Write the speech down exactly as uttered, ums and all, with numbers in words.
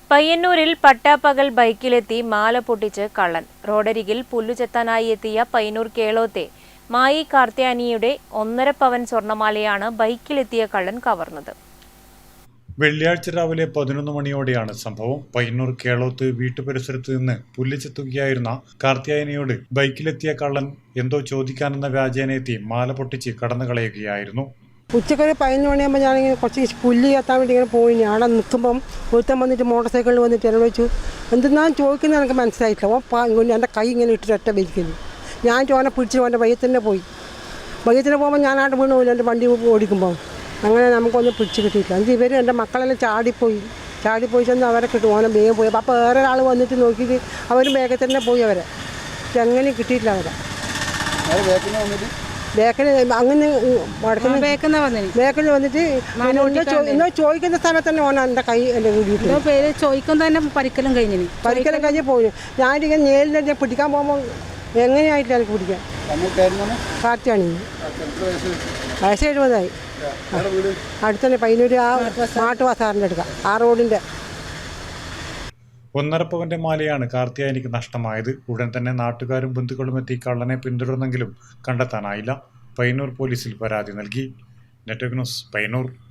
പയ്യന്നൂരിൽ പട്ടാപ്പകൽ ബൈക്കിലെത്തി മാല പൊട്ടിച്ച് കള്ളൻ. റോഡരികിൽ പുല്ലുചെത്താനായി എത്തിയ പയ്യന്നൂർ കേളോത്തെ മായി കാർത്യായനിയുടെ ഒന്നര പവൻ സ്വർണമാലയാണ് ബൈക്കിലെത്തിയ കള്ളൻ കവർന്നത്. വെള്ളിയാഴ്ച രാവിലെ പതിനൊന്ന് മണിയോടെയാണ് സംഭവം. പയ്യന്നൂർ കേളോത്ത് വീട്ടുപരിസരത്ത് നിന്ന് പുല്ലുചെത്തുകയായിരുന്ന കാർത്യായനിയോട് ബൈക്കിലെത്തിയ കള്ളൻ എന്തോ ചോദിക്കാനെന്ന വ്യാജേനയെത്തി മാല പൊട്ടിച്ച് കടന്നു കളയുകയായിരുന്നു. ഉച്ചക്കൊരു പതിനൊന്ന് മണിയാകുമ്പോൾ ഞാനിങ്ങനെ കുറച്ച് പുല്ല് കത്താൻ വേണ്ടി ഇങ്ങനെ പോയി. അവിടെ നിൽക്കുമ്പം ഒരുത്തൻ വന്നിട്ട് മോട്ടോർ സൈക്കിളിൽ വന്നിട്ട് എന്നോട് വെച്ചു എന്തെന്നാണ് ചോദിക്കുന്നത് എനിക്ക് മനസ്സിലായിട്ടില്ല. ഓ പാ ഇങ്ങനെ എൻ്റെ കൈ ഇങ്ങനെ ഇട്ടിട്ട് ഒറ്റ വലിക്കുന്നു. ഞാൻ ചോനെ പിടിച്ച് എൻ്റെ വയ്യത്ത് തന്നെ പോയി. വയ്യത്തിന് പോകുമ്പോൾ ഞാനായിട്ട് വീണ് പോയില്ല എൻ്റെ വണ്ടി ഓടിക്കുമ്പോൾ. അങ്ങനെ നമുക്കൊന്നും പിടിച്ച് കിട്ടിയിട്ടില്ല. എന്നിട്ട് ഇവർ എൻ്റെ മക്കളെല്ലാം ചാടിപ്പോയി ചാടിപ്പോയി ചെന്ന് അവരെ കിട്ടും. ഓനെ വേഗം പോയി. അപ്പോൾ വേറെ ഒരാൾ വന്നിട്ട് നോക്കിയിട്ട് അവരും വേഗത്തിൽ തന്നെ പോയി. അവരെ എങ്ങനെയും കിട്ടിയിട്ടില്ല. അവരെ ബേക്കിൽ അങ്ങനെ ബേക്കിൽ വന്നിട്ട് എന്നോ ചോദിക്കുന്ന സ്ഥലത്ത് തന്നെ ഓന എൻ്റെ കൈ എൻ്റെ വീട്ടിൽ പേര് ചോദിക്കുന്ന തന്നെ പരിക്കലും കഴിഞ്ഞു പരിക്കലും കഴിഞ്ഞ് പോയി. ഞാനിങ്ങനെ നേരിൽ പിടിക്കാൻ പോകുമ്പോൾ എങ്ങനെയായിട്ടില്ല എനിക്ക് പിടിക്കാൻ. കാർത്തിയാണ് വയസ്സ് എഴുപതായി. അടുത്തന്നെ പയ്യന്നൂർ ആ മാട്ട് ബസാറിൻ്റെ അടുക്ക ആ റോഡിൻ്റെ. ഒന്നര പവന്റെ മാലയാണ് കാർത്യായനിക്ക് നഷ്ടമായത്. ഉടൻ തന്നെ നാട്ടുകാരും ബന്ധുക്കളും എത്തി കള്ളനെ പിന്തുടർന്നെങ്കിലും കണ്ടെത്താനായില്ല. പയ്യന്നൂർ പോലീസിൽ പരാതി നൽകി. Network news, Payyanur.